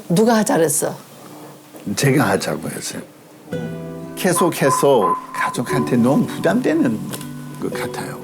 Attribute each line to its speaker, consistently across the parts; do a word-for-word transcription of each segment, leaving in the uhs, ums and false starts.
Speaker 1: 누가 잘했어?
Speaker 2: 제가 하자고 했어요. 계속해서 가족한테 너무 부담되는 것 같아요.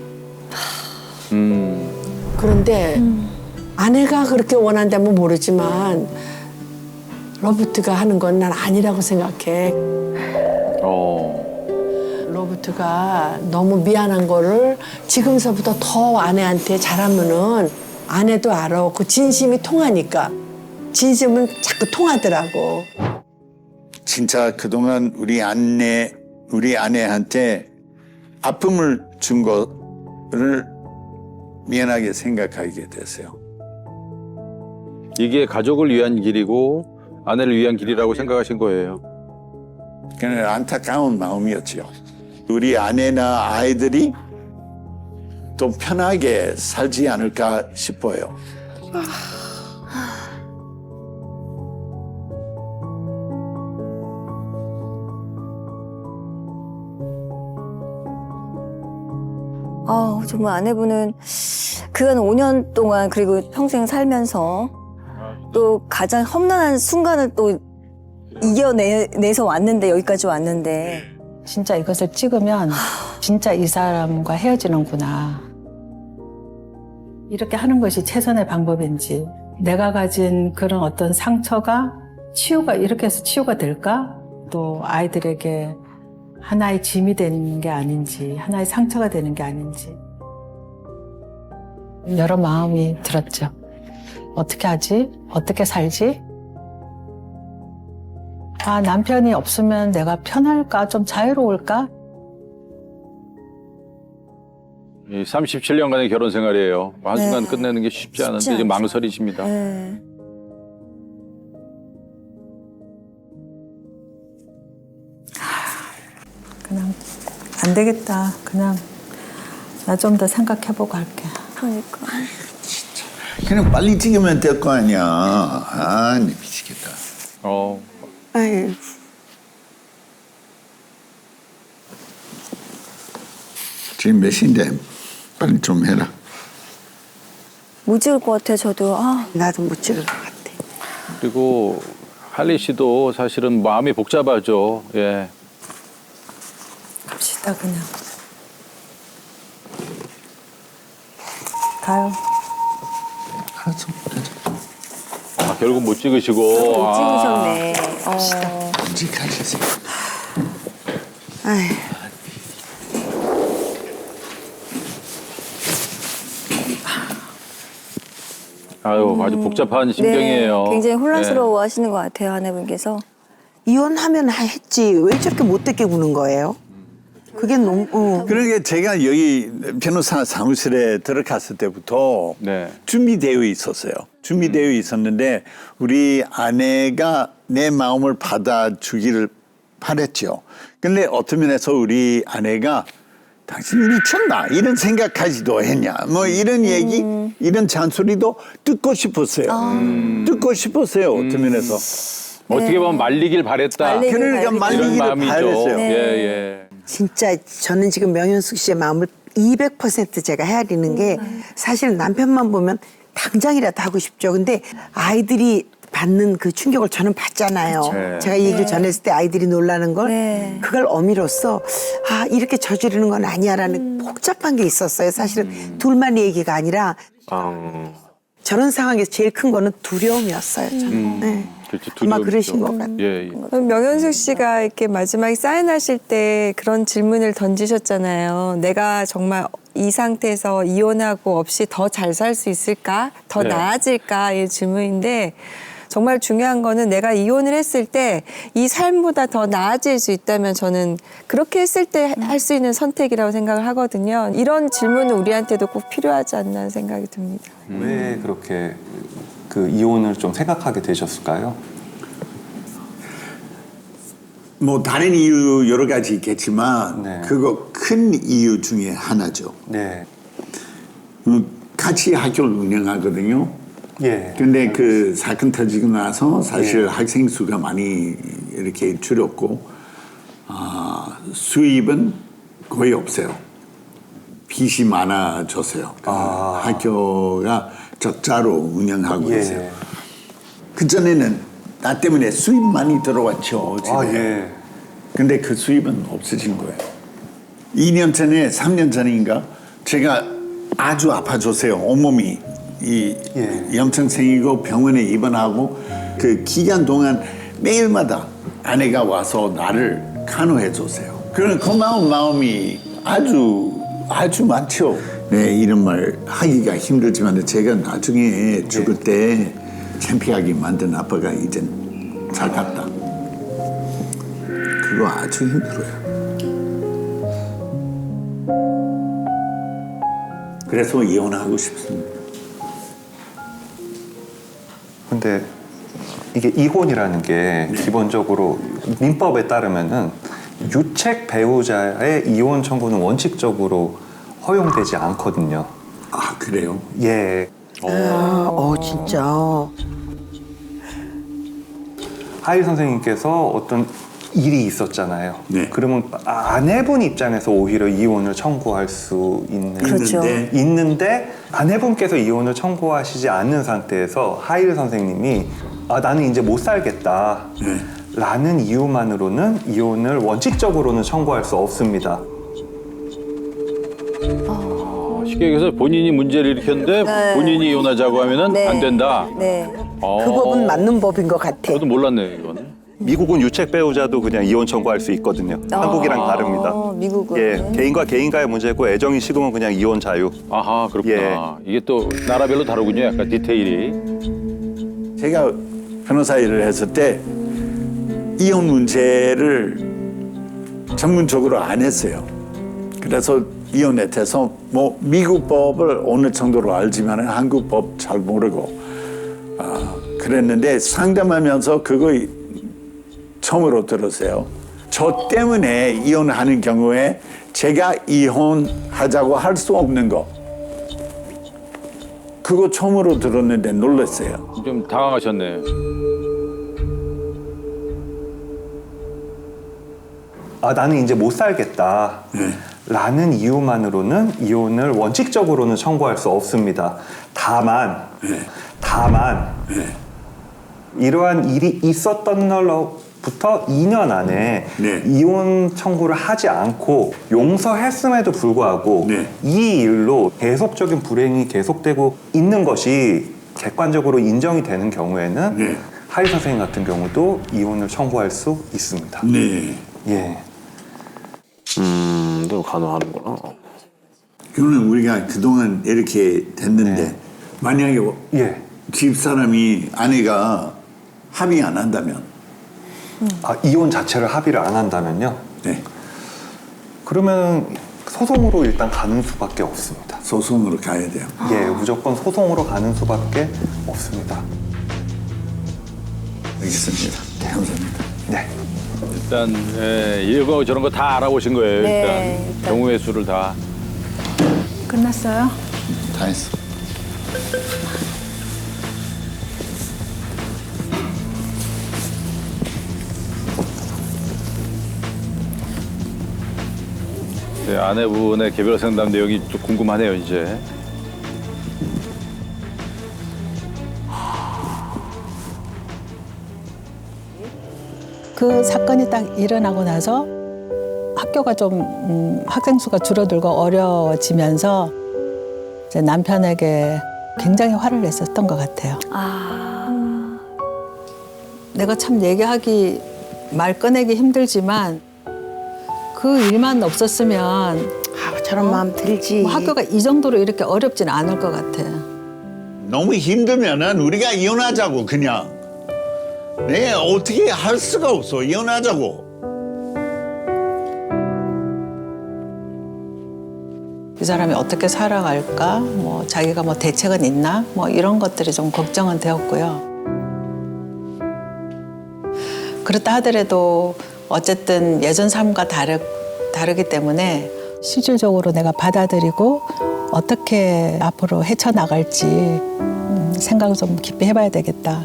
Speaker 3: 음.
Speaker 1: 그런데
Speaker 4: 음.
Speaker 1: 아내가 그렇게 원한다면 모르지만 로버트가 하는 건 난 아니라고 생각해.
Speaker 3: 어.
Speaker 1: 로버트가 너무 미안한 거를 지금서부터 더 아내한테 잘하면은 아내도 알아. 그 진심이 통하니까. 진심은 자꾸 통하더라고.
Speaker 2: 진짜 그동안 우리 아내, 우리 아내한테 아픔을 준 거를 미안하게 생각하게 됐어요.
Speaker 3: 이게 가족을 위한 길이고 아내를 위한 길이라고 생각하신 거예요.
Speaker 2: 그냥 안타까운 마음이었죠. 우리 아내나 아이들이 더 편하게 살지 않을까 싶어요.
Speaker 4: 아, 정말 아내분은 그간 오 년 동안 그리고 평생 살면서 또 가장 험난한 순간을 또 이겨내서 왔는데 여기까지 왔는데
Speaker 5: 진짜 이것을 찍으면 진짜 이 사람과 헤어지는구나. 이렇게 하는 것이 최선의 방법인지, 내가 가진 그런 어떤 상처가 치유가 이렇게 해서 치유가 될까? 또 아이들에게 하나의 짐이 되는 게 아닌지, 하나의 상처가 되는 게 아닌지 여러 마음이 들었죠. 어떻게 하지? 어떻게 살지? 아, 남편이 없으면 내가 편할까? 좀 자유로울까?
Speaker 3: 이 삼십칠 년간의 결혼 생활이에요. 한순간
Speaker 4: 네.
Speaker 3: 끝내는 게 쉽지 않은데
Speaker 4: 쉽지
Speaker 3: 이제
Speaker 4: 않죠.
Speaker 3: 망설이십니다.
Speaker 4: 네.
Speaker 5: 그냥 안 되겠다. 그냥 나 좀 더 생각해보고 할게.
Speaker 4: 그러니까
Speaker 2: 그냥 빨리 찍으면 될 거 아니야. 아, 네, 미치겠다.
Speaker 3: 어.
Speaker 1: 아유.
Speaker 2: 지금 몇 시인데 빨리 좀 해라.
Speaker 4: 못 찍을 것 같아요. 저도 아,
Speaker 1: 나도 못 찍을 것 같아.
Speaker 3: 그리고 할리 씨도 사실은 마음이 복잡하죠. 예.
Speaker 5: 갑시다, 그냥. 가요.
Speaker 2: 알았어, 가자.
Speaker 3: 아, 결국 못 찍으시고.
Speaker 4: 못
Speaker 3: 아.
Speaker 4: 찍으셨네. 어.
Speaker 2: 언제 가셨어요?
Speaker 1: 아유.
Speaker 3: 아유, 아주 복잡한 심경이에요.
Speaker 4: 네, 굉장히 혼란스러워
Speaker 3: 예.
Speaker 4: 하시는 것 같아요, 아내분께서.
Speaker 6: 이혼하면 했지 왜 저렇게 못되게 구는 거예요? 그게 너무 어.
Speaker 2: 그러니까 제가 여기 변호사 사무실에 들어갔을 때부터
Speaker 3: 네.
Speaker 2: 준비되어 있었어요. 준비되어 있었는데 우리 아내가 내 마음을 받아주기를 바랬죠. 근데 어떤 면에서 우리 아내가 당신 미쳤나 이런 생각까지도 했냐 뭐 이런 얘기 이런 잔소리도 듣고 싶었어요. 듣고 싶었어요. 어떤 면에서.
Speaker 3: 어떻게 보면 말리길 바랬다.
Speaker 4: 말리길
Speaker 2: 그러니까
Speaker 4: 바랬죠.
Speaker 2: 말리기를
Speaker 3: 이런 마음이죠.
Speaker 2: 바랬어요.
Speaker 4: 네.
Speaker 3: 예, 예.
Speaker 6: 진짜 저는 지금 명현숙 씨의 마음을 이백 퍼센트 제가 헤아리는 게 사실 남편만 보면 당장이라도 하고 싶죠. 근데 아이들이 받는 그 충격을 저는 받잖아요.
Speaker 3: 네.
Speaker 6: 제가 이 얘기를 전했을 때 아이들이 놀라는 걸
Speaker 4: 네.
Speaker 6: 그걸 어미로서 아 이렇게 저지르는 건 아니야라는 복잡한 게 있었어요. 사실은 둘만의 얘기가 아니라 저런 상황에서 제일 큰 거는 두려움이었어요. 저는. 네.
Speaker 3: 그렇죠.
Speaker 6: 아마
Speaker 3: 두려움이죠.
Speaker 6: 그러신 것 같아요.
Speaker 3: 예, 예.
Speaker 7: 그럼 명현숙 씨가 이렇게 마지막에 사인하실 때 그런 질문을 던지셨잖아요. 내가 정말 이 상태에서 이혼하고 없이 더 잘 살 수 있을까? 더
Speaker 3: 네.
Speaker 7: 나아질까? 이 질문인데 정말 중요한 거는 내가 이혼을 했을 때 이 삶보다 더 나아질 수 있다면 저는 그렇게 했을 때 할 수 있는 선택이라고 생각을 하거든요. 이런 질문은 우리한테도 꼭 필요하지 않나 생각이 듭니다.
Speaker 8: 왜 그렇게 그 이혼을 좀 생각하게 되셨을까요?
Speaker 2: 뭐 다른 이유 여러 가지 있겠지만
Speaker 8: 네.
Speaker 2: 그거 큰 이유 중에 하나죠.
Speaker 8: 네.
Speaker 2: 음, 같이 학교를 운영하거든요.
Speaker 8: 예.
Speaker 2: 근데 그 사건 터지고 나서 사실
Speaker 8: 예.
Speaker 2: 학생 수가 많이 이렇게 줄었고 아, 수입은 거의 없어요. 빚이 많아졌어요. 그
Speaker 8: 아.
Speaker 2: 학교가 적자로 운영하고
Speaker 8: 예.
Speaker 2: 있어요. 그전에는 나 때문에 수입 많이 들어왔죠. 집에.
Speaker 8: 아, 예.
Speaker 2: 근데 그 수입은 없어진 거예요. 이 년 전에, 삼 년 전인가 제가 아주 아파졌어요. 온몸이 이
Speaker 8: 예.
Speaker 2: 염증 생기고 병원에 입원하고 그 기간 동안 매일마다 아내가 와서 나를 간호해 줬어요. 그런 고마운 마음이 아주 아주 많죠. 네, 이런 말 하기가 힘들지만 제가 나중에 죽을 때 창피하게 만든 아빠가 이젠 잘 갔다. 그거 아주 힘들어요. 그래서 이혼하고 싶습니다.
Speaker 8: 근데 이게 이혼이라는 게 기본적으로 민법에 따르면은 유책 배우자의 이혼 청구는 원칙적으로 허용되지 않거든요.
Speaker 2: 아, 그래요?
Speaker 8: 예.
Speaker 6: 아, 어 진짜.
Speaker 8: 하일 선생님께서 어떤 일이 있었잖아요.
Speaker 2: 네.
Speaker 8: 그러면 아내분 입장에서 오히려 이혼을 청구할 수 있는
Speaker 4: 그렇죠.
Speaker 2: 있는데
Speaker 8: 있는데 아내분께서 이혼을 청구하시지 않는 상태에서 하일 선생님이 아 나는 이제 못 살겠다
Speaker 2: 네.
Speaker 8: 라는 이유만으로는 이혼을 원칙적으로는 청구할 수 없습니다.
Speaker 3: 쉽게 얘기해서 본인이 문제를 일으켰는데
Speaker 4: 네.
Speaker 3: 본인이 이혼하자고 하면은
Speaker 4: 네.
Speaker 3: 안 된다.
Speaker 4: 네.
Speaker 3: 어.
Speaker 6: 그 법은 맞는 법인 것 같아.
Speaker 3: 저도 몰랐네요, 이건.
Speaker 8: 미국은 유책 배우자도 그냥 이혼 청구할 수 있거든요. 한국이랑 다릅니다.
Speaker 4: 어, 미국은.
Speaker 8: 예, 개인과 개인과의 문제고 애정이 식으면 그냥 이혼 자유.
Speaker 3: 아하, 그렇구나. 이게 또 나라별로 다르군요, 약간 디테일이.
Speaker 2: 제가 변호사 일을 했을 때 이혼 문제를 전문적으로 안 했어요. 그래서 이혼에 대해서 뭐 미국 법을 어느 정도로 알지만 한국 법 잘 모르고 아, 그랬는데 상담하면서 그거 처음으로 들었어요. 저 때문에 이혼하는 경우에 제가 이혼하자고 할 수 없는 거 그거 처음으로 들었는데 놀랐어요.
Speaker 3: 좀 당황하셨네.
Speaker 8: 아 나는 이제 못 살겠다 라는 이유만으로는 이혼을 원칙적으로는 청구할 수 없습니다. 다만 다만 이러한 일이 있었던 날로부터 이 년 안에
Speaker 2: 네.
Speaker 8: 이혼 청구를 하지 않고 용서했음에도 불구하고
Speaker 2: 네.
Speaker 8: 이 일로 계속적인 불행이 계속되고 있는 것이 객관적으로 인정이 되는 경우에는
Speaker 2: 네.
Speaker 8: 하일 선생님 같은 경우도 이혼을 청구할 수 있습니다.
Speaker 2: 네.
Speaker 8: 예.
Speaker 9: 음, 또 간호하는구나.
Speaker 2: 그러면 우리가 그동안 이렇게 됐는데
Speaker 8: 네.
Speaker 2: 만약에
Speaker 8: 예.
Speaker 2: 집 사람이 아내가 합의 안 한다면
Speaker 8: 아, 이혼 자체를 합의를 안 한다면요?
Speaker 2: 네.
Speaker 8: 그러면 소송으로 일단 가는 수밖에 없습니다.
Speaker 2: 소송으로 가야 돼요.
Speaker 8: 예, 무조건 소송으로 가는 수밖에 없습니다.
Speaker 2: 알겠습니다. 감사합니다.
Speaker 8: 네.
Speaker 3: 일단 예, 이거 저런 거 다 알아보신 거예요.
Speaker 4: 네,
Speaker 3: 일단.
Speaker 4: 일단.
Speaker 3: 경우의 수를 다.
Speaker 5: 끝났어요?
Speaker 2: 다 했어.
Speaker 3: 네, 아내분의 개별 상담 내용이 좀 궁금하네요, 이제.
Speaker 5: 그 사건이 딱 일어나고 나서 학교가 좀 음, 학생 수가 줄어들고 어려워지면서 이제 남편에게 굉장히 화를 냈었던 것 같아요.
Speaker 4: 아.
Speaker 5: 내가 참 얘기하기 말 꺼내기 힘들지만 그 일만 없었으면
Speaker 6: 아, 저런 마음 들지.
Speaker 5: 뭐 학교가 이 정도로 이렇게 어렵진 않을 것 같아.
Speaker 2: 너무 힘들면은 우리가 이혼하자고 그냥. 네, 어떻게 할 수가 없어. 이혼하자고.
Speaker 5: 이 사람이 어떻게 살아갈까? 뭐 자기가 뭐 대책은 있나? 뭐 이런 것들이 좀 걱정은 되었고요. 그렇다 하더라도 어쨌든 예전 삶과 다르, 다르기 때문에 실질적으로 내가 받아들이고 어떻게 앞으로 헤쳐나갈지 음, 생각을 좀 깊이 해봐야 되겠다.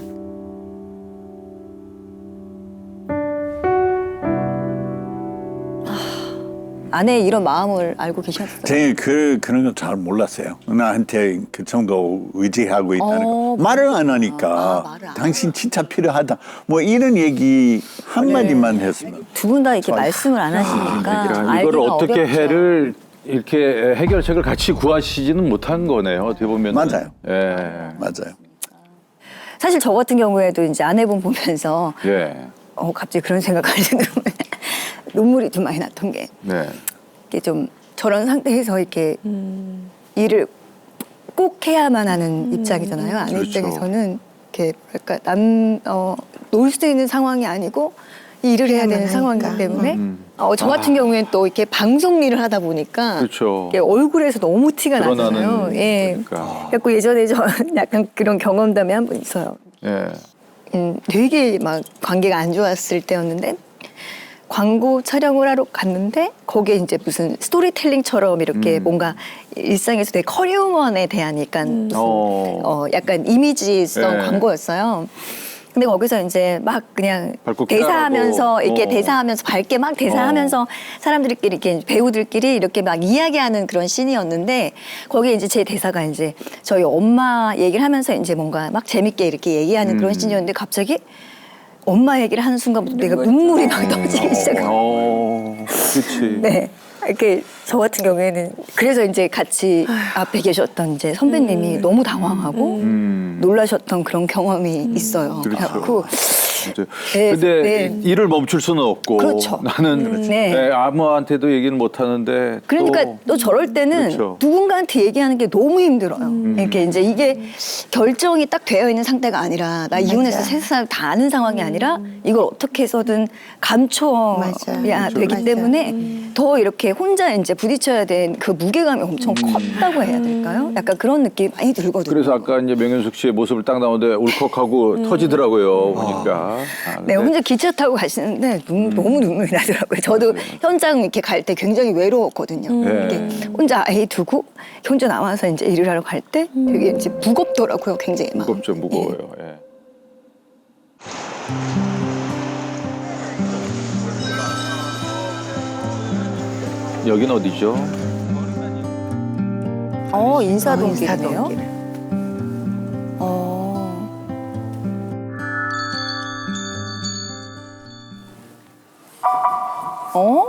Speaker 4: 아내의 이런 마음을 알고 계셨어요?
Speaker 2: 제가 그, 그런 거 잘 몰랐어요. 나한테 그 정도 의지하고 있다는
Speaker 4: 어,
Speaker 2: 거. 말을 안 하니까.
Speaker 4: 아, 말을 안
Speaker 2: 당신 진짜 필요하다. 뭐 이런 얘기 한마디만 했으면.
Speaker 4: 두 분 다 이렇게 말씀을 안 하시니까
Speaker 3: 야, 이거를
Speaker 4: 알기가
Speaker 3: 어떻게
Speaker 4: 어렵죠.
Speaker 3: 해를 이렇게 해결책을 같이 구하시지는 못한 거네요. 어떻게 보면
Speaker 2: 맞아요.
Speaker 3: 예.
Speaker 2: 맞아요.
Speaker 4: 사실 저 같은 경우에도 이제 아내분 보면서
Speaker 3: 예.
Speaker 4: 어, 갑자기 그런 생각하는 눈물이 좀 많이 났던 게
Speaker 3: 네.
Speaker 4: 이게 좀 저런 상태에서 이렇게 일을 꼭 해야만 하는 입장이잖아요. 아내
Speaker 3: 그렇죠.
Speaker 4: 입장에서는 이렇게 뭐랄까 남 어, 놀 수 있는 상황이 아니고 일을 해야 되는
Speaker 6: 하니까.
Speaker 4: 상황이기 때문에
Speaker 3: 음.
Speaker 4: 어, 저 같은 경우에는 또 이렇게 방송 일을 하다 보니까
Speaker 3: 그렇죠.
Speaker 4: 이게 얼굴에서 너무 티가 나잖아요.
Speaker 3: 드러나는
Speaker 4: 예.
Speaker 3: 그러니까.
Speaker 4: 그래서 예전에 저 약간 그런 경험담이 한 번 있어요.
Speaker 3: 예.
Speaker 4: 음, 되게 막 관계가 안 좋았을 때였는데 광고 촬영을 하러 갔는데 거기에 이제 무슨 스토리텔링처럼 이렇게
Speaker 3: 음.
Speaker 4: 뭔가 일상에서 되게 커리어먼에 대한 약간 무슨
Speaker 3: 어.
Speaker 4: 어 약간 이미지성
Speaker 3: 네.
Speaker 4: 광고였어요. 근데 거기서 이제 막 그냥
Speaker 3: 밝고
Speaker 4: 대사하면서
Speaker 3: 쾌활하고.
Speaker 4: 이렇게
Speaker 3: 어.
Speaker 4: 대사하면서 밝게 막 대사하면서 사람들끼리 이렇게 배우들끼리 이렇게 막 이야기하는 그런 씬이었는데 거기에 이제 제 대사가 이제 저희 엄마 얘기를 하면서 이제 뭔가 막 재밌게 이렇게 얘기하는 그런
Speaker 3: 음.
Speaker 4: 씬이었는데 갑자기 엄마 얘기를 하는 순간부터 내가 눈물이 막 터지기 시작한
Speaker 3: 어. 그렇지.
Speaker 4: 네. 이렇게 저 같은 경우에는 그래서 이제 같이 앞에 계셨던 이제 선배님이 너무 당황하고
Speaker 3: 음.
Speaker 4: 놀라셨던 그런 경험이 있어요.
Speaker 3: 그렇죠.
Speaker 4: 그래갖고
Speaker 3: 진짜.
Speaker 4: 네,
Speaker 3: 근데
Speaker 4: 네.
Speaker 3: 일을 멈출 수는 없고
Speaker 4: 그렇죠.
Speaker 3: 나는
Speaker 4: 네.
Speaker 3: 예, 아무한테도 얘기는 못 하는데
Speaker 4: 그러니까
Speaker 3: 또,
Speaker 4: 또 저럴 때는
Speaker 3: 그렇죠.
Speaker 4: 누군가한테 얘기하는 게 너무 힘들어요. 이렇게 이제 이게 결정이 딱 되어 있는 상태가 아니라 나 이혼해서 세 사람 다 아는 상황이 아니라 이걸 어떻게 해서든 감춰야
Speaker 6: 맞아.
Speaker 4: 되기
Speaker 6: 맞아.
Speaker 4: 때문에 더 이렇게 혼자 이제 부딪혀야 된 그 무게감이 엄청 컸다고 해야 될까요? 약간 그런 느낌이 많이 들거든요.
Speaker 3: 그래서 아까 이제 명현숙 씨의 모습을 딱 나오는데 울컥하고 터지더라고요. 보니까. 아,
Speaker 4: 네,
Speaker 3: 근데
Speaker 4: 혼자 기차 타고 가시는데 눈, 너무 눈물이 나더라고요. 저도 현장 이렇게 갈 때 굉장히 외로웠거든요.
Speaker 3: 네.
Speaker 4: 이렇게 혼자 아이 두고 혼자 나와서 이제 일을 하러 갈 때 되게 이제 무겁더라고요. 굉장히 마음이.
Speaker 3: 무겁죠, 무거워요. 예. 여긴 어디죠?
Speaker 4: 어, 인사동길이네요.
Speaker 6: 인사동길.
Speaker 4: 어. 어?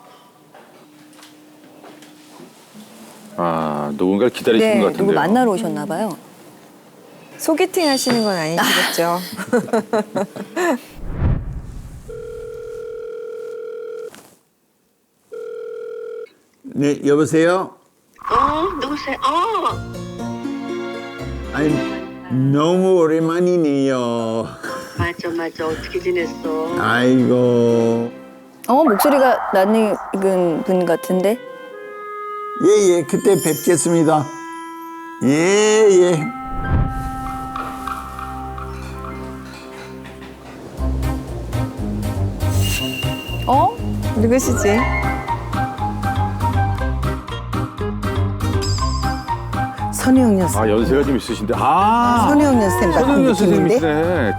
Speaker 3: 아, 누군가를 기다리시는
Speaker 4: 네,
Speaker 3: 것 같은데요.
Speaker 4: 누구 만나러 오셨나 봐요.
Speaker 7: 소개팅 하시는 건 아니시겠죠?
Speaker 2: 네, 여보세요?
Speaker 9: 어, 누구세요? 어,
Speaker 2: 아니, 너무 오랜만이네요.
Speaker 9: 맞아, 맞아. 어떻게 지냈어?
Speaker 2: 아이고.
Speaker 4: 어, 목소리가 낯익은 분 같은데?
Speaker 2: 예, 예, 그때 뵙겠습니다. 예, 예.
Speaker 7: 어? 누구시지?
Speaker 6: 선우영 여사.
Speaker 3: 아, 연세가 좀 있으신데. 아,
Speaker 6: 선우영 여사님 같은
Speaker 3: 선우영
Speaker 6: 느낌인데.
Speaker 3: 선생님이시네.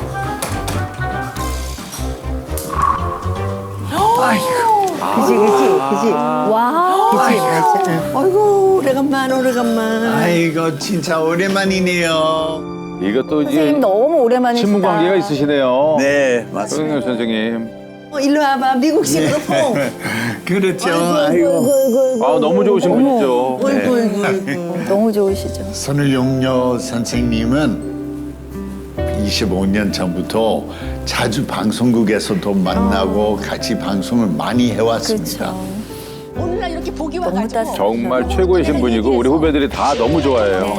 Speaker 6: 그지, 그지, 그지.
Speaker 4: 와.
Speaker 6: 그지, 맞아. 응.
Speaker 1: 아이고 오래간만 오래간만.
Speaker 2: 아이고, 진짜 오랜만이네요.
Speaker 3: 이것도
Speaker 4: 선생님
Speaker 3: 이제
Speaker 4: 너무 오랜만이시다.
Speaker 3: 친분 관계가 있으시네요.
Speaker 2: 네, 맞습니다.
Speaker 3: 선생님 선생님.
Speaker 1: 어, 일로 와봐 미국식으로 뽕.
Speaker 2: 그렇죠. 아이고.
Speaker 3: 아, 너무 좋으신 분이죠.
Speaker 1: 아이고 아이고 아이고.
Speaker 4: 음, 너무 좋으시죠.
Speaker 2: 선우용료 선생님은 이십오 년 전부터 자주 방송국에서도 만나고 같이 방송을 많이 해왔습니다.
Speaker 1: 오늘날 이렇게 보기
Speaker 4: 너무
Speaker 1: 와가지고.
Speaker 4: 따뜻해.
Speaker 3: 정말 최고이신 분이고 우리 후배들이 다 너무 좋아해요.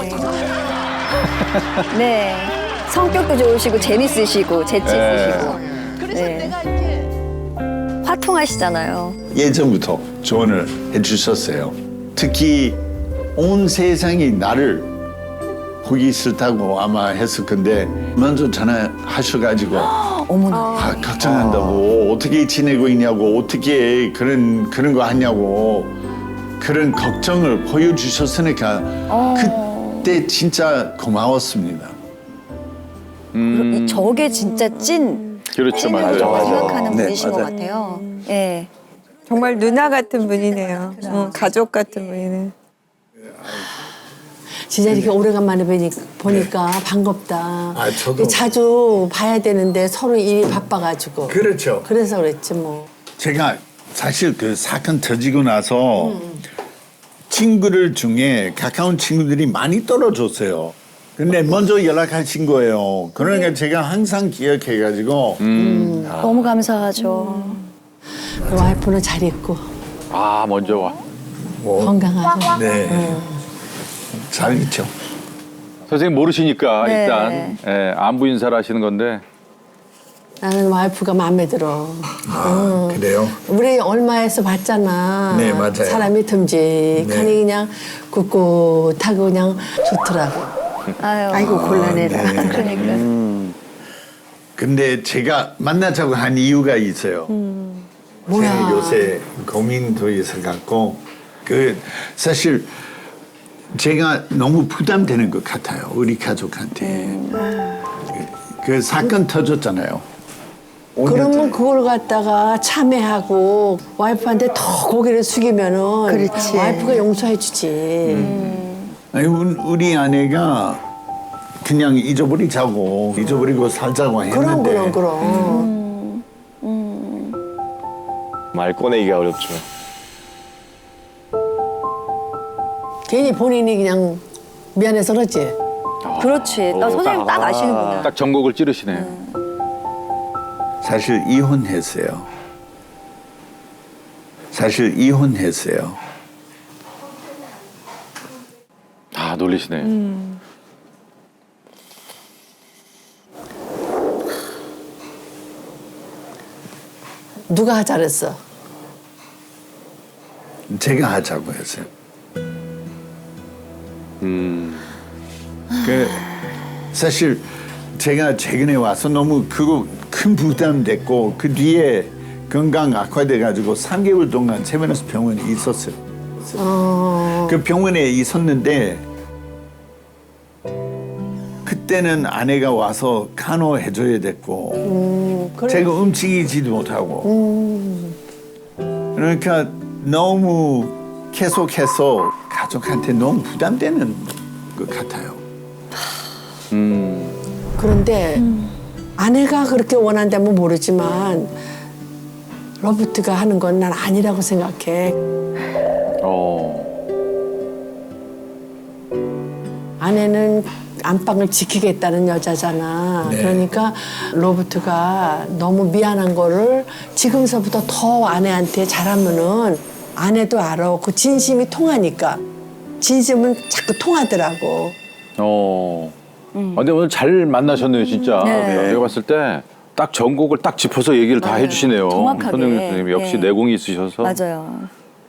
Speaker 4: 네. 성격도 좋으시고 재밌으시고 재치
Speaker 3: 네.
Speaker 4: 있으시고
Speaker 1: 그래서
Speaker 4: 네.
Speaker 1: 내가 이제
Speaker 4: 화통하시잖아요.
Speaker 2: 예전부터 조언을 해주셨어요. 특히 온 세상이 나를 보기 싫다고 아마 했을 건데 먼저 전화하셔가지고
Speaker 4: 어머나.
Speaker 2: 아, 걱정한다고 어떻게 지내고 있냐고 어떻게 그런 그런 거 하냐고 그런 걱정을 보여주셨으니까 그때 진짜 고마웠습니다.
Speaker 3: 음,
Speaker 4: 저게 진짜 찐
Speaker 3: 그렇죠,
Speaker 4: 찐을
Speaker 3: 맞아요.
Speaker 4: 정말
Speaker 3: 맞아.
Speaker 4: 생각하는
Speaker 2: 네,
Speaker 4: 분이신 것
Speaker 2: 맞아요.
Speaker 4: 같아요. 예.
Speaker 7: 정말 누나 같은 분이네요. 응, 가족 같은 분이네.
Speaker 1: 진짜 이렇게 오래간만에 보니까, 보니까 반갑다.
Speaker 2: 아, 저도.
Speaker 1: 자주 봐야 되는데 서로 일이 바빠가지고.
Speaker 2: 그렇죠.
Speaker 1: 그래서 그랬지 뭐.
Speaker 2: 제가 사실 그 사건 터지고 나서 친구들 중에 가까운 친구들이 많이 떨어졌어요. 근데 먼저 연락하신 거예요. 그러니까 제가 항상 기억해가지고
Speaker 4: 너무 감사하죠.
Speaker 1: 그 와이프는 잘 있고
Speaker 3: 아 먼저 와.
Speaker 1: 건강하고.
Speaker 2: 네. 잘 있죠.
Speaker 3: 선생님 모르시니까
Speaker 4: 네.
Speaker 3: 일단 예, 안부 인사를 하시는 건데
Speaker 1: 나는 와이프가 마음에 들어.
Speaker 2: 아, 그래요?
Speaker 1: 우리 얼마에서 봤잖아.
Speaker 2: 네, 맞아요.
Speaker 1: 사람이 듬직하니
Speaker 2: 네.
Speaker 1: 그냥 꿋꿋하고 그냥 좋더라고.
Speaker 4: 아유.
Speaker 6: 아이고 곤란해라.
Speaker 2: 네.
Speaker 4: 그러니까.
Speaker 2: 근데 제가 만나자고 한 이유가 있어요.
Speaker 1: 뭐야?
Speaker 2: 제가 요새 고민도 있어갖고 그 사실 제가 너무 부담되는 것 같아요. 우리 가족한테. 그, 그 사건 터졌잖아요. 오 년
Speaker 1: 그러면
Speaker 2: 전에.
Speaker 1: 그걸 갖다가 참회하고 와이프한테 더 고개를 숙이면은
Speaker 6: 그렇지.
Speaker 1: 와이프가 용서해주지.
Speaker 2: 아니, 우- 우리 아내가 그냥 잊어버리자고 잊어버리고 살자고 했는데
Speaker 1: 그럼 그럼 그럼.
Speaker 10: 말 꺼내기가 어렵죠.
Speaker 1: 괜히 본인이 그냥 미안해서 그렇지.
Speaker 4: 그렇지. 나
Speaker 3: 어,
Speaker 4: 선생님 딱 아시는구나.
Speaker 3: 딱 전곡을 찌르시네.
Speaker 2: 사실 이혼했어요. 사실 이혼했어요.
Speaker 3: 아 놀리시네.
Speaker 1: 누가 하자 그랬어?
Speaker 2: 제가 하자고 했어요.
Speaker 3: 음.
Speaker 2: 그 사실 제가 최근에 와서 너무 그거 큰 부담 됐고 그 뒤에 건강 악화돼 가지고 삼 개월 동안 세브란스 병원에 있었어요.
Speaker 1: 어.
Speaker 2: 그 병원에 있었는데 그때는 아내가 와서 간호해줘야 됐고
Speaker 1: 음, 그래.
Speaker 2: 제가 움직이지도 못하고 그러니까 너무 계속해서 가족한테 너무 부담되는 것 같아요.
Speaker 3: 음.
Speaker 1: 그런데 아내가 그렇게 원한다면 모르지만 로버트가 하는 건 난 아니라고 생각해.
Speaker 3: 어.
Speaker 1: 아내는 안방을 지키겠다는 여자잖아.
Speaker 2: 네.
Speaker 1: 그러니까 로버트가 너무 미안한 거를 지금서부터 더 아내한테 잘하면은 아내도 알아. 그 진심이 통하니까. 진심은 자꾸 통하더라고.
Speaker 3: 어. 아, 근데 오늘 잘 만나셨네요, 진짜.
Speaker 4: 네.
Speaker 3: 내가 봤을 때 딱 전곡을 딱 짚어서 얘기를 다 해주시네요.
Speaker 4: 정확하게.
Speaker 3: 선생님, 선생님 역시
Speaker 4: 네.
Speaker 3: 내공이 있으셔서.
Speaker 4: 맞아요.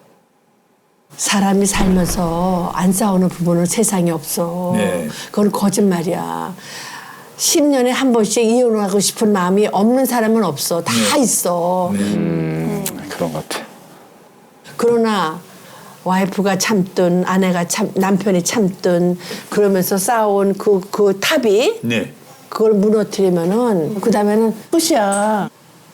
Speaker 1: 사람이 살면서 안 싸우는 부분은 세상에 없어.
Speaker 2: 네.
Speaker 1: 그건 거짓말이야. 십 년에 한 번씩 이혼하고 싶은 마음이 없는 사람은 없어. 다 있어.
Speaker 3: 음, 그런 것 같아.
Speaker 1: 그러나 와이프가 참든 아내가 참 남편이 참든 그러면서 싸운 그, 그 탑이
Speaker 2: 네.
Speaker 1: 그걸 무너뜨리면은 그 다음에는 끝이야.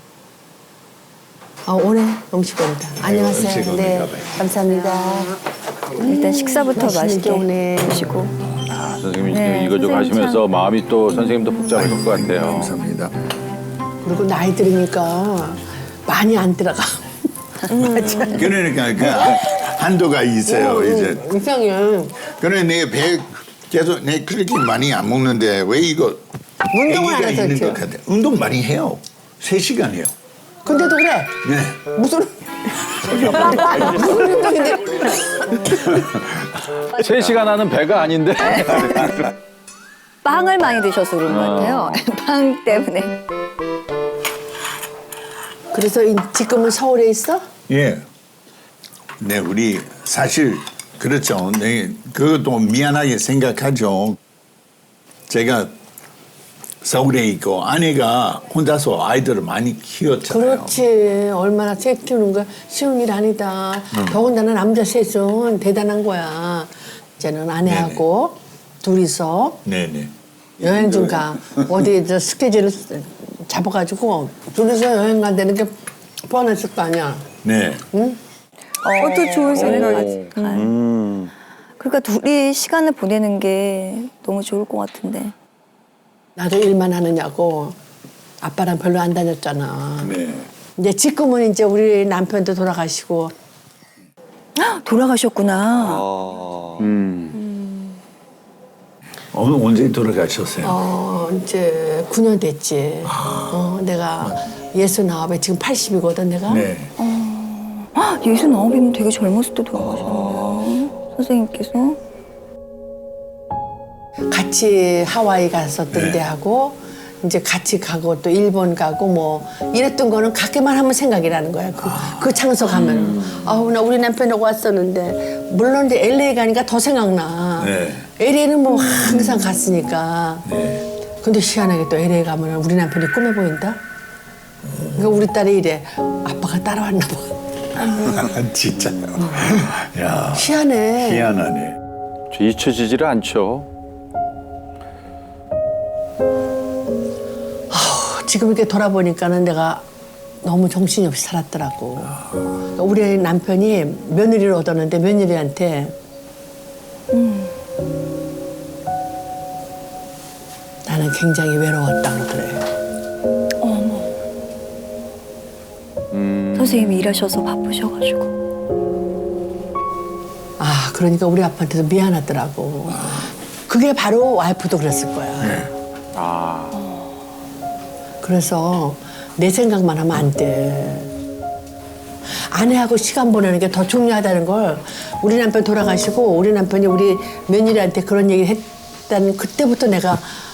Speaker 1: 아, 오늘 음식 온다. 안녕하세요.
Speaker 2: 음식
Speaker 1: 네,
Speaker 2: 오는가 봐요.
Speaker 1: 감사합니다.
Speaker 4: 일단 식사부터
Speaker 1: 맛있는
Speaker 4: 맛있게
Speaker 1: 게 오네.
Speaker 4: 드시고.
Speaker 3: 아, 선생님이
Speaker 4: 네,
Speaker 3: 이거 좀
Speaker 4: 선생님
Speaker 3: 하시면서 마음이 또 선생님도 복잡하실 것 같아요.
Speaker 2: 감사합니다.
Speaker 1: 그리고 나이 들으니까 많이 안 들어가.
Speaker 2: 그러니까 그 한도가 있어요 이제.
Speaker 1: 이상해.
Speaker 2: 그래 내 배 계속 내 그렇게 많이 안 먹는데 왜 이거
Speaker 1: 운동을 안
Speaker 2: 애기가
Speaker 1: 해서
Speaker 2: 있는 것
Speaker 1: 그렇지.
Speaker 2: 같아. 운동 많이 해요. 세 시간 해요.
Speaker 1: 근데도 그래.
Speaker 2: 네.
Speaker 1: 무슨 무슨 운동인데?
Speaker 3: 세 시간 하는 배가 아닌데.
Speaker 4: 빵을 많이 드셔서 그런 것 같아요. 빵 때문에.
Speaker 1: 그래서 이- 지금은 서울에 있어?
Speaker 2: 예. 네, 우리 사실 그렇죠. 네, 그것도 미안하게 생각하죠. 제가 서울에 있고 아내가 혼자서 아이들을 많이 키웠잖아요.
Speaker 1: 그렇지. 얼마나 셋 키우는 거 쉬운 일 아니다. 더군다나 남자 셋은 대단한 거야. 이제는 아내하고 둘이서
Speaker 2: 네네.
Speaker 1: 여행 좀 가. 어디 저 스케줄을 잡아가지고 둘이서 여행 간다는 게 뻔했을 거 아니야.
Speaker 2: 네.
Speaker 7: 그것도 좋은 생각이지.
Speaker 8: 음.
Speaker 4: 그러니까 둘이 시간을 보내는 게 너무 좋을 것 같은데.
Speaker 1: 나도 일만 하느냐고 아빠랑 별로 안 다녔잖아.
Speaker 2: 네.
Speaker 1: 이제 지금은 이제 우리 남편도 돌아가시고
Speaker 4: 돌아가셨구나.
Speaker 3: 음.
Speaker 2: 어, 언제 돌아가셨어요?
Speaker 1: 어 이제 구 년 됐지. 어 내가 예순아홉에 지금 팔십이거든 내가.
Speaker 2: 네.
Speaker 4: 예순아홉이면 되게 젊었을 때 돌아가셨네요. 선생님께서.
Speaker 1: 같이 하와이 갔었던
Speaker 2: 네.
Speaker 1: 데하고 이제 같이 가고 또 일본 가고 뭐 이랬던 거는 가기만 하면 생각이 나는 거야. 그, 그 장소 가면. 아우 나 우리 남편하고 왔었는데 물론 이제 엘에이 가니까 더 생각나.
Speaker 2: 네.
Speaker 1: 엘에이는 뭐 항상 갔으니까.
Speaker 2: 네.
Speaker 1: 근데 희한하게 또 엘에이 가면 우리 남편이 꿈에 보인다. 그러니까 우리 딸이 이래. 아빠가 따라왔나 봐.
Speaker 2: 진짜요? 야.
Speaker 1: 희한해.
Speaker 2: 희한하네.
Speaker 3: 저 잊혀지지를 않죠.
Speaker 1: 지금 이렇게 돌아보니까는 내가 너무 정신이 없이 살았더라고. 그러니까 우리 남편이 며느리를 얻었는데 며느리한테 나는 굉장히 외로웠다 그러더래.
Speaker 4: 선생님이 일하셔서 바쁘셔가지고.
Speaker 1: 아 그러니까 우리 아빠한테도 미안하더라고. 그게 바로 와이프도 그랬을 거야.
Speaker 3: 아.
Speaker 1: 그래서 내 생각만 하면 안 돼. 아내하고 시간 보내는 게 더 중요하다는 걸 우리 남편 돌아가시고 우리 남편이 우리 며느리한테 그런 얘기를 했다는 그때부터 내가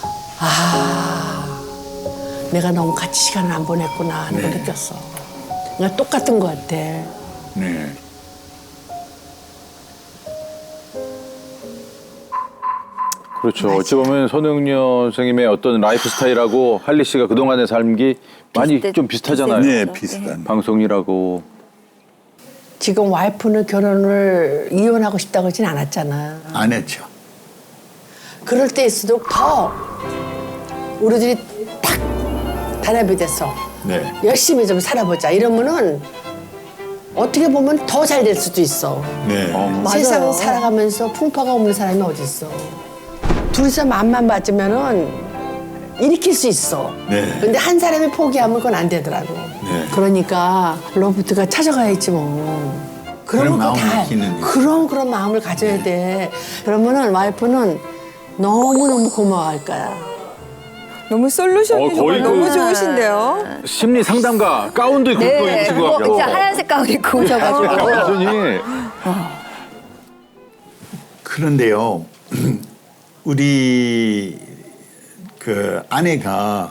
Speaker 1: 아 내가 너무 같이 시간을 안 보냈구나 하는 걸
Speaker 2: 네.
Speaker 1: 느꼈어. 그러니까 똑같은 것 같아.
Speaker 2: 네.
Speaker 3: 그렇죠. 어찌 보면 손흥년 선생님의 어떤 라이프 스타일하고 할리 씨가 그동안의 삶이 많이
Speaker 4: 비슷해-
Speaker 3: 좀 비슷하잖아요.
Speaker 2: 네, 비슷한.
Speaker 3: 방송이라고.
Speaker 1: 지금 와이프는 결혼을 이혼하고 싶다고 하진 않았잖아.
Speaker 2: 안 했죠.
Speaker 1: 그럴 때일수록 더 우리들이 딱 단합이 돼서
Speaker 2: 네.
Speaker 1: 열심히 좀 살아보자 이러면은 어떻게 보면 더 잘 될 수도 있어.
Speaker 2: 네.
Speaker 1: 세상 살아가면서 풍파가 없는 사람이 어디 있어. 둘이서 마음만 맞으면은 일으킬 수 있어.
Speaker 2: 네.
Speaker 1: 근데 한 사람이 포기하면 그건 안 되더라고.
Speaker 2: 네.
Speaker 1: 그러니까 로버트가 찾아가야지 뭐.
Speaker 2: 그런
Speaker 1: 그러면
Speaker 2: 마음을
Speaker 1: 다
Speaker 2: 키는
Speaker 1: 그런 그런 마음을 가져야 돼. 그러면은 와이프는 너무 너무 고마워할 거야.
Speaker 7: 너무 솔루션이
Speaker 3: 어, 거의
Speaker 7: 정말
Speaker 3: 그-
Speaker 7: 너무 좋으신데요.
Speaker 3: 심리 상담가 가운도 입고
Speaker 4: 네,
Speaker 3: 입으신 것
Speaker 4: 그거
Speaker 3: 같고.
Speaker 4: 진짜 하얀색 가운 입고 오셔가지고.
Speaker 3: 완전히.
Speaker 2: 그런데요, 우리 그 아내가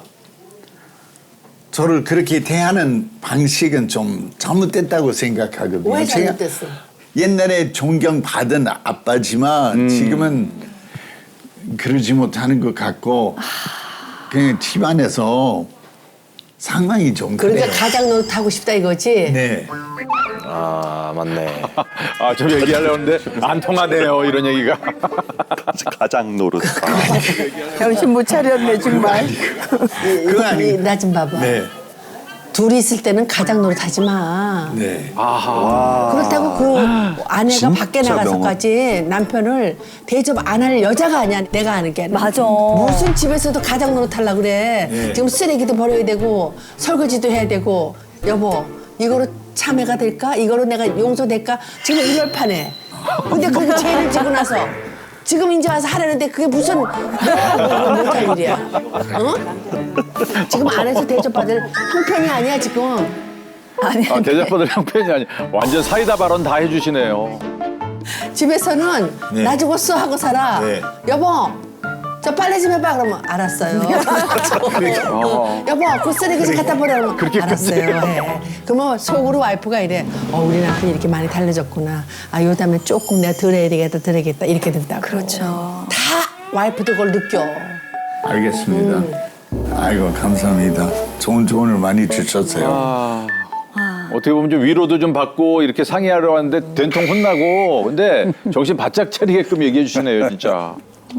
Speaker 2: 저를 그렇게 대하는 방식은 좀 잘못됐다고 생각하거든요.
Speaker 1: 왜
Speaker 2: 제가
Speaker 1: 잘못됐어?
Speaker 2: 옛날에 존경받은 아빠지만 지금은 그러지 못하는 것 같고 그냥 집안에서 상황이 좀
Speaker 1: 그러니까
Speaker 2: 그래요.
Speaker 1: 가장 노릇하고 싶다 이거지.
Speaker 2: 네.
Speaker 8: 아 맞네.
Speaker 3: 아, 좀 얘기하려고 했는데 안 통하네요, 이런 얘기가.
Speaker 8: 가장 노릇.
Speaker 7: 정신 못 차렸네 정말.
Speaker 2: 그거 아니.
Speaker 1: 나 좀 봐봐.
Speaker 2: 네.
Speaker 1: 둘이 있을 때는 가장 노릇하지 마.
Speaker 2: 네.
Speaker 1: 그렇다고 그 아내가
Speaker 8: 진짜
Speaker 1: 밖에 나가서까지 남편을 대접 안 할 여자가 아니야. 내가 아는 게 아니라.
Speaker 4: 맞아.
Speaker 1: 무슨 집에서도 가장 노릇하려고 그래.
Speaker 2: 네.
Speaker 1: 지금 쓰레기도 버려야 되고 설거지도 해야 되고 여보 이거로 참회가 될까? 이거로 내가 용서될까? 지금 이럴 판에. 근데 그게 죄를 지고 나서 지금 이제 와서 하라는데 그게 무슨 내가 못할 일이야. 어? 지금 안에서 대접받을 형편이 아니야 지금.
Speaker 4: 아니,
Speaker 3: 아, 대접받을 형편이 아니 완전 사이다 발언 다 해주시네요.
Speaker 1: 집에서는
Speaker 2: 네.
Speaker 1: 나 죽었어 하고 살아.
Speaker 2: 네.
Speaker 1: 여보, 저 빨래 좀 해봐. 그러면 알았어요.
Speaker 3: 어.
Speaker 1: 여보, 그 쓰레기 좀 갖다 버려. 그러면
Speaker 3: 그렇게까지
Speaker 1: 알았어요. 해. 그러면 속으로 와이프가 이래. 어, 우리 남편이 이렇게 많이 달라졌구나. 아, 요 다음에 조금 내가 덜 해야 되겠다, 덜 해야겠다. 이렇게 된다고.
Speaker 4: 그렇죠.
Speaker 1: 다 와이프도 그걸 느껴.
Speaker 2: 알겠습니다. 아이고 감사합니다. 좋은 조언을 많이 주셨어요.
Speaker 3: 아, 어떻게 보면 좀 위로도 좀 받고 이렇게 상의하려 하는데 된통 혼나고 근데 정신 바짝 차리게끔 얘기해 주시네요, 진짜.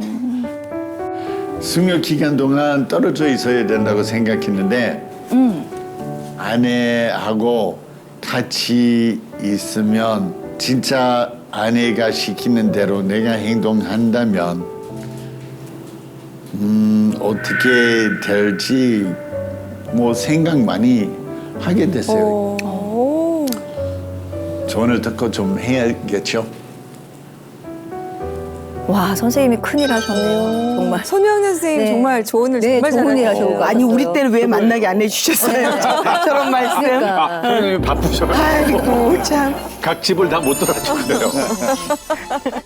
Speaker 2: 수명 기간 동안 떨어져 있어야 된다고 생각했는데 아내하고 같이 있으면 진짜 아내가 시키는 대로 내가 행동한다면 음, 어떻게 될지 뭐 생각 많이 하게 됐어요.
Speaker 7: 오.
Speaker 2: 조언을 듣고 좀 해야겠죠.
Speaker 4: 와, 선생님이 큰일 하셨네요. 정말.
Speaker 7: 손영래 선생님
Speaker 4: 네.
Speaker 7: 정말 조언을
Speaker 4: 네,
Speaker 7: 정말
Speaker 4: 좋은 일
Speaker 7: 잘하셨어요.
Speaker 4: 하셨고.
Speaker 6: 아니 우리 때는 왜 만나게 안 해주셨어요? 저런 말씀.
Speaker 4: 그러니까.
Speaker 3: 선생님이 바쁘셔가지고
Speaker 6: 아이고 참.
Speaker 3: 각 집을 다 못 돌아주고요.